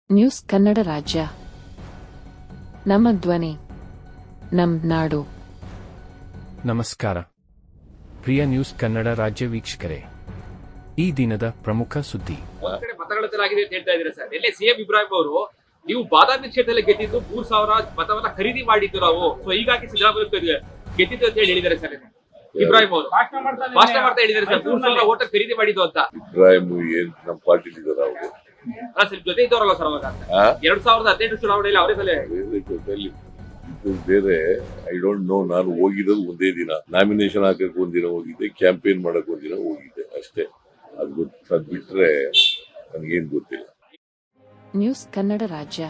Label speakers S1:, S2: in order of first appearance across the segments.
S1: News Kannada ರಾಜ್ಯ ನಮ್ಮ ಧ್ವನಿ ನಮ್ ನಾಡು.
S2: ನಮಸ್ಕಾರ ಪ್ರಿಯ ನ್ಯೂಸ್ ಕನ್ನಡ ರಾಜ್ಯ ವೀಕ್ಷಕರೇ, ಈ ದಿನದ ಪ್ರಮುಖ ಸುದ್ದಿ.
S3: ಒಂದ್ ಕಡೆ ಮತಗಳಾಗಿದೆ ಅಂತ ಹೇಳ್ತಾ ಇದ್ದೀರಾ ಸರ್. ಎಲ್ಲೇ ಸಿಎಂ ಇಬ್ರಾಹಿಂ ಅವರು ನೀವು ಬಾದಾಮಿ ಕ್ಷೇತ್ರದಲ್ಲಿ ಗೆದ್ದಿದ್ದು 3,000 ಮತವನ್ನ ಖರೀದಿ ಮಾಡಿದ್ದು ನಾವು, ಸೊ ಹೀಗಾಗಿ ಸಿದ್ದರಾಮಯ್ಯ ಗೆದ್ದಿದ್ದು ಅಂತ ಹೇಳಿದ್ದಾರೆ ಸರ್. ಇಬ್ರಾಹಿಂ ಅವರು ಭಾಷಣ ಮಾಡ್ತಾ ಹೇಳಿದ್ದಾರೆ ಸರ್, 3,000 ಓಟ ಖರೀದಿ ಮಾಡಿದ್ದು ಅಂತ.
S4: ಇಬ್ರಾಹಿಂ ಏನ್ ನಮ್ಮ ಪಾರ್ಟಿ ಇದ್ದಾರೆ ಅವರು
S3: ಸರ್ ಜೊತೆ ಇದ್ದವರಲ್ಲ ಸರ್ ಅವಾಗ 2018 ಚುನಾವಣೆಯಲ್ಲಿ ಅವರೇ ತಲೆ
S4: ಇದು ಬೇರೆ. I don't know. ನಾನು ಹೋಗಿರೋದು ಒಂದೇ ದಿನ, ನಾಮಿನೇಷನ್ ಹಾಕಕ್ ಒಂದಿನ ಹೋಗಿದ್ದೆ, ಕ್ಯಾಂಪೇನ್ ಮಾಡಕ್ ಒಂದಿನ ಹೋಗಿದ್ದೆ ಅಷ್ಟೇ. ಅದು ಬಿಟ್ರೆ ನನ್ಗೇನ್ ಗೊತ್ತಿಲ್ಲ.
S1: ನ್ಯೂಸ್ ಕನ್ನಡ ರಾಜ್ಯ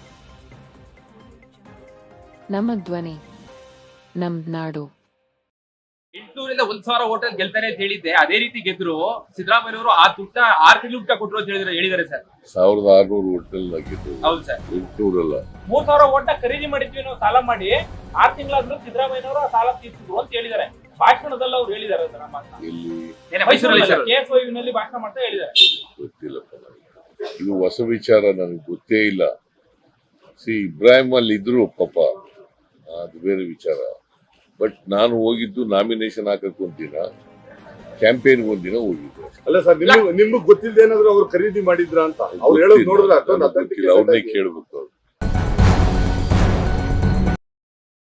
S1: ನಮ್ಮ ಧ್ವನಿ ನಮ್ ನಾಡು.
S3: 800ರಿಂದ 1,000 ಓಟ ಗೆಲ್ತಾರೆ ಅಂತ ಹೇಳಿದ್ದೆ, ಅದೇ ರೀತಿ ಗೆದ್ರು. ಸಿದ್ದರಾಮಯ್ಯ ಅವರು ಆ ದುಡ್ಡ 6 ತಿಂಗಳು ಊಟ ಕೊಟ್ಟರು ಅಂತ ಹೇಳಿದ್ದಾರೆ ಸರ್.
S4: 1,600 ಹೋಟೆಲ್ ಆಗಿದ್ದು.
S3: ಹೌದು ಸರ್,
S4: 800 ಅಲ್ಲ,
S5: 3,000 ಓಟ ಖರೀದಿ ಮಾಡಿದ್ವಿ ನಾವು ಸಾಲ ಮಾಡಿ. 6 ತಿಂಗಳಾದ್ರೂ ಸಿದ್ದರಾಮಯ್ಯನವರು ಆ ಸಾಲ ತೀರ್ಸಿದ್ರು ಅಂತ ಹೇಳಿದ್ದಾರೆ. ಭಾಷಣದಲ್ಲಿ ಅವ್ರು ಹೇಳಿದ್ದಾರೆ ಸರ್. ನಮ್ಮ
S4: ಇಲ್ಲಿ
S3: ಮೈಸೂರಲ್ಲಿ ಸರ್
S5: KSYU ನಲ್ಲಿ ಭಾಷಣ ಮಾಡ್ತಾ ಹೇಳಿದ್ದಾರೆ.
S4: ಗೊತ್ತಿಲ್ಲಪ್ಪ ನನಗೆ. ಇದು ಹೊಸ ವಿಚಾರ, ನನಗೆ ಗೊತ್ತೇ ಇಲ್ಲ. ಇಬ್ರಾಹಿಂ ಅಲ್ಲಿ ಇದ್ರು ಪಾಪ, ಅದು ಬೇರೆ ವಿಚಾರ. ಬಟ್ ನಾನು ಹೋಗಿದ್ದು ನಾಮಿನೇಷನ್ ಹಾಕಕ್ ಒಂದಿನ, ಕ್ಯಾಂಪೇನ್ ಒಂದಿನ ಹೋಗಿದ್ದೆ.
S6: ಅಲ್ಲ ಸರ್, ನಿಮ್ಗೆ ಗೊತ್ತಿಲ್ಲದೆ ಏನಾದ್ರು ಅವ್ರು ಖರೀದಿ ಮಾಡಿದ್ರ ಅಂತ ಅವ್ರು ಹೇಳೋದು ನೋಡಿದ್ರೆ
S4: ಅವ್ರನ್ನೇ ಕೇಳ್ಬೇಕು.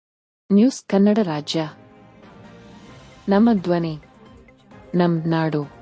S1: ನ್ಯೂಸ್ ಕನ್ನಡ ರಾಜ್ಯ ನಮ್ಮ ಧ್ವನಿ ನಮ್ ನಾಡು.